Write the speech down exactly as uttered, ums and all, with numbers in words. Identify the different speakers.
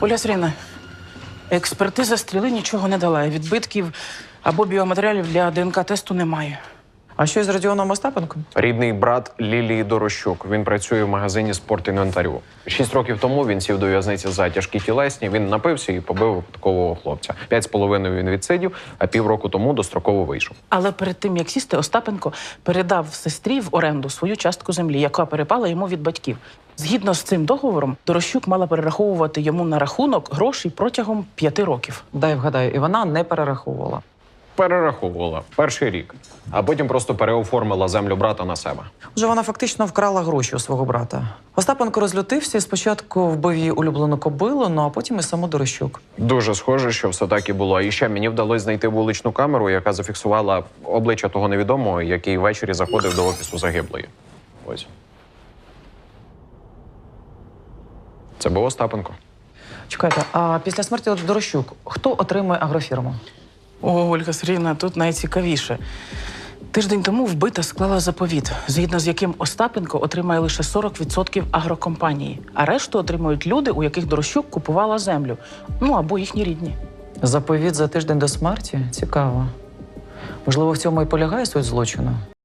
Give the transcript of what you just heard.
Speaker 1: Оля Сергіївна, експертиза стріли нічого не дала. Відбитків або біоматеріалів для ДНК-тесту немає.
Speaker 2: А що із Родіоном Остапенком?
Speaker 3: Рідний брат Лілії Дорощук. Він працює в магазині спортінвентарю. Шість років тому він сів до в'язниці за тяжкі тілесні. Він напився і побив випадкового хлопця. П'ять з половиною він відсидів, а півроку тому достроково вийшов.
Speaker 1: Але перед тим, як сісти, Остапенко передав сестрі в оренду свою частку землі, яка перепала йому від батьків. Згідно з цим договором, Дорощук мала перераховувати йому на рахунок гроші протягом п'яти років.
Speaker 2: Дай вгадаю, і вона не перераховувала.
Speaker 3: Перераховувала перший рік, а потім просто переоформила землю брата на себе.
Speaker 2: Вже вона фактично вкрала гроші у свого брата. Остапенко розлютився і спочатку вбив її улюблену кобилу, ну а потім і саму Дорощук.
Speaker 3: Дуже схоже, що все так і було. І ще мені вдалося знайти вуличну камеру, яка зафіксувала обличчя того невідомого, який ввечері заходив до офісу загиблої. Ось. Це був Остапенко.
Speaker 2: Чекайте, а після смерті Дорощук хто отримує агрофірму?
Speaker 1: О, Ольга Сергіївна, тут найцікавіше. Тиждень тому вбита склала заповіт, згідно з яким Остапенко отримає лише сорок відсотків агрокомпанії, а решту отримують люди, у яких Дорощук купувала землю. Ну, або їхні рідні.
Speaker 2: Заповіт за тиждень до смерті? Цікаво. Можливо, в цьому і полягає суть злочину?